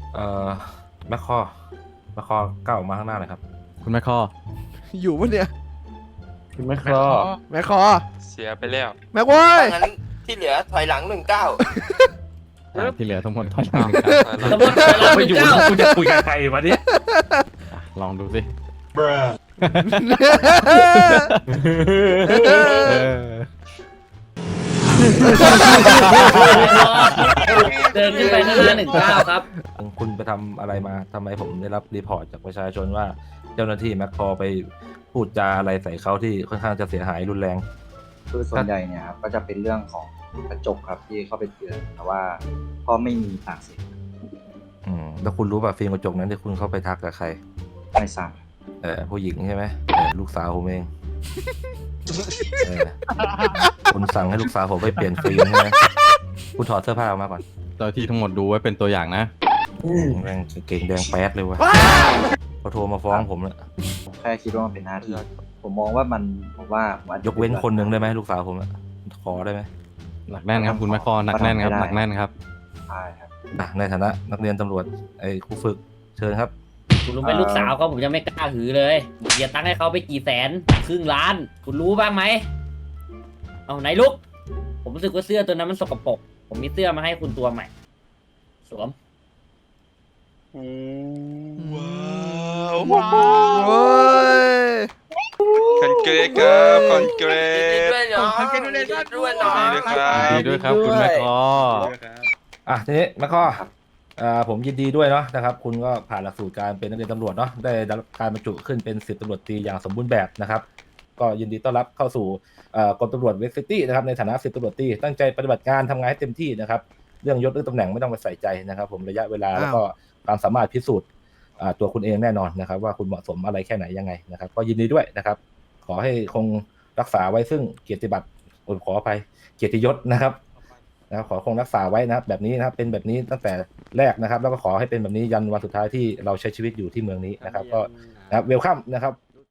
เอ่อแมคคอแมคคอก้าวออกมาข้างหน้าหน่อยครับคุณแม่คออยู่ปะเนี่ยคุณแม่ครอแม่คอเสียไปแล้วแม่โว้ยงั้นที่เหลือถอยหลัง19 ที่เหลือทั้งหมดถอยหลังครับสมมติเราไม่ไม่อยู่เก้าแล้วกูจะคุยกับใครวะเนี่ยลองดูสิเดินขึ้นไปข้างหน้า19ครับคุณไปทำอะไรมาทำไมผมได้รับรีพอร์ตจากประชาชนว่าเจ้าหน้าที่แมคคอไปพูดจาอะไรใส่เขาที่ค่อนข้างจะเสียหายรุนแรงคือส่วนใหญ่เนี่ยครับก็จะเป็นเรื่องของกระจกครับที่เข้าไปเตือนแต่ว่าก็ไม่มีปากเสียงแล้วคุณรู้ป่ะฟิล์มกระจกนั้นที่คุณเข้าไปทักกับใครไม่ทราบผู้หญิงใช่ไหมลูกสาวผมเองเออคุณสั่งให้ลูกสาวผมไปเปลี่ยนฟิล์มใช่ไหมคุณถอดเสื้อผ้าออกมาก่อนเจ้าที่ทั้งหมดดูไว้เป็นตัวอย่างนะแม่งเก่งแดงแป๊ดเลยวะเขาโทรมาฟ้องผมแล้วผมแค่คิดว่ามันเป็นหน้าที่ผมมองว่ามันผมว่าผมอาจจะยกเว้นคนหนึ่งได้ไหมลูกสาวผมอะขอได้ไหมหนักแน่นครับคุณแม่คอหนักแน่นครับหนักแน่นครับใช่ครับในฐานะนักเรียนตำรวจไอ้ครูฝึกเชิญครับคุณรู้ไหมลูกสาวเขาผมยังไม่กล้าหือเลยเสียตังค์ให้เขาไปกี่แสนครึ่งล้าน คุณรู้บ้างไหมเอาไหนลุก ผมรู้สึกว่าเสื้อตัวนั้นมันสกปรกผมมีเสื้อมาให้คุณตัวใหม่ สวมว้าวโอ้ยคอนเกรสครับคอนเกรยินดีสด้วยเนาะยินดีด้วยเนาะยินดีด้วยครับดีด้วยครับคุณแม่คอทีนี้แม่ข้อผมยินดีด้วยเนาะนะครับคุณก็ผ่านหลักสูตรการเป็นนักเรียนตำรวจเนาะได้รับการบรรจุขึ้นเป็น10ตำรวจตรีอย่างสมบูรณ์แบบนะครับก็ยินดีต้อนรับเข้าสู่กรมตำรวจเวสซิตี้นะครับในฐานะ10ตำรวจตรีตั้งใจปฏิบัติงานทำงานให้เต็มที่นะครับเรื่องยศเรื่องตำแหน่งไม่ต้องไปใส่ใจนะครับผมระยะเวลาแล้วก็ความสามารถพิสูจน์ตัวคุณเองแน่นอนนะครับว่าคุณเหมาะสมอะไรแค่ไหนยังไงนะครับก็ยินดีด้วยนะครับขอให้คงรักษาไว้ซึ่งเกียรติบัตรขออภัยเกียรติยศนะครับขอคงรักษาไว้นะครับแบบนี้นะครับเป็นแบบนี้ตั้งแต่แรกนะครับแล้วก็ขอให้เป็นแบบนี้ยันวันสุดท้ายที่เราใช้ชีวิตอยู่ที่เมืองนี้นะครับก็นะครับเวลคัมนะครับ